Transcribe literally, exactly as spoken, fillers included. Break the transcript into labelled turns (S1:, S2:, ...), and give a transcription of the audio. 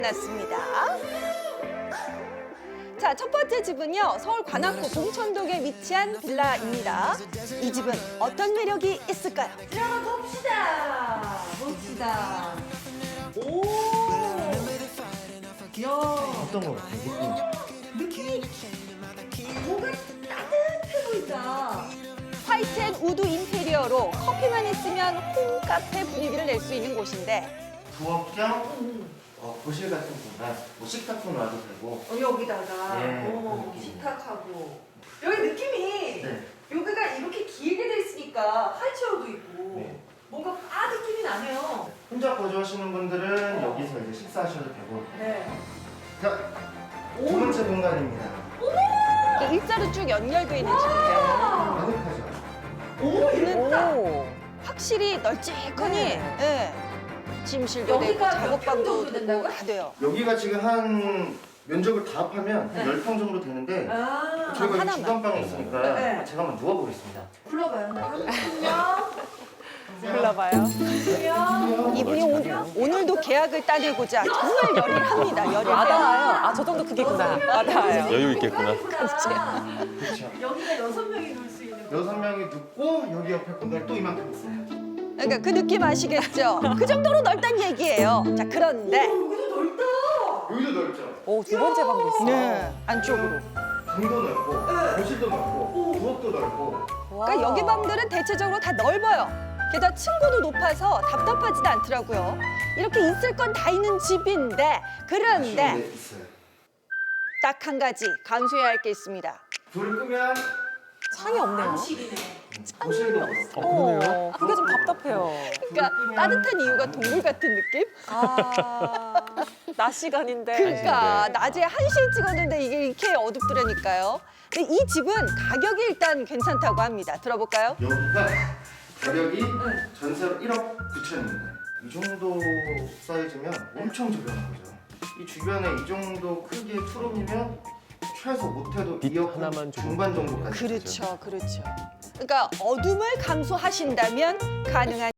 S1: 났습니다. 자, 첫 번째 집은요, 서울 관악구 봉천동에 위치한 빌라입니다. 이 집은 어떤 매력이 있을까요?
S2: 들어가 봅시다. 봅시다. 오. 야.
S3: 어떤 거 같아요?
S2: 느낌이 뭔가 따뜻해 보인다.
S1: 화이트 앤 우드 인테리어로 커피만 있으면 홈카페 분위기를 낼 수 있는 곳인데
S3: 부엌 겸 어, 거실 같은 공간, 뭐 식탁도 놔도 되고.
S2: 어, 여기다가
S3: 예,
S2: 어,
S3: 그 느낌.
S2: 식탁하고 여기 느낌이
S3: 네.
S2: 여기가 이렇게 길게 돼 있으니까 하이체어도 있고
S3: 네.
S2: 뭔가 아 느낌이 나네요.
S3: 혼자 거주하시는 분들은 여기서 이제 식사하셔도 되고.
S2: 네.
S3: 자, 두 번째 공간입니다.
S1: 이게 일자로 쭉 연결되어 있는 집인데
S3: 아늑하죠?
S2: 오 이랬다.
S1: 오, 확실히 널찍하니
S2: 네.
S1: 예. 침실도 되고
S2: 여기가 몇 평
S1: 작업방도
S2: 정도
S1: 되고
S2: 된다고요?
S1: 다 돼요.
S3: 여기가 지금 한 면적을 다 합하면
S2: 네.
S3: 열 평 정도 되는데
S2: 아
S3: 저희가
S1: 하나만.
S3: 여기 주방방이 있으니까
S2: 네.
S3: 제가 한번 누워보겠습니다.
S2: 불러봐요. 한명
S1: 불러봐요.
S2: 명
S1: 이분이 오늘, 오늘도 계약을 따내고자 정말 열일합니다. 열일해요.
S4: 아, 저 정도 크기구나. 와닿아요.
S5: 여유 있겠구나.
S3: 그렇죠.
S2: 여기가 여섯 명이 놀 수 있는.
S3: 여섯 명이 눕고 여기 옆에 공간이 또 이만큼 있어요.
S1: 그러니까 그 느낌 아시겠죠? 그 정도로 넓다는 얘기예요. 자, 그런데
S2: 여기도 넓다.
S3: 여기도 넓죠?
S4: 오, 두 번째 방도 있어.
S1: 네, 안쪽으로.
S3: 방도 넓고 거실도 넓고 부엌도 넓고.
S1: 그러니까 여기 방들은 대체적으로 다 넓어요. 게다가 층고도 높아서 답답하지도 않더라고요. 이렇게 있을 건 다 있는 집인데 그런데
S3: 아쉬운 게 있어요.
S1: 딱 한 가지 감수해야 할 게 있습니다.
S3: 불을 끄면
S4: 창이 없네요.
S2: 방식이네.
S3: 거실도 없어.
S4: 어, 그게 좀 답답해요.
S1: 그러니까 따뜻한 이유가 동물 같은 느낌?
S4: 아, 낮 시간인데.
S1: 그러니까 낮에 한 시에 찍었는데 이게 이렇게 어둡더라니까요. 근데 이 집은 가격이 일단 괜찮다고 합니다. 들어볼까요?
S3: 여기가 가격이 전세로 일억 구천입니다. 이 정도 사이즈면 엄청 저렴한 거죠. 이 주변에 이 정도 크기의 투룸이면 최소 못해도
S5: 빛
S3: 이억
S5: 하나만 주고.
S3: 중반 정도까지.
S1: 그렇죠, 그렇죠. 그러니까 어둠을 감수하신다면 가능한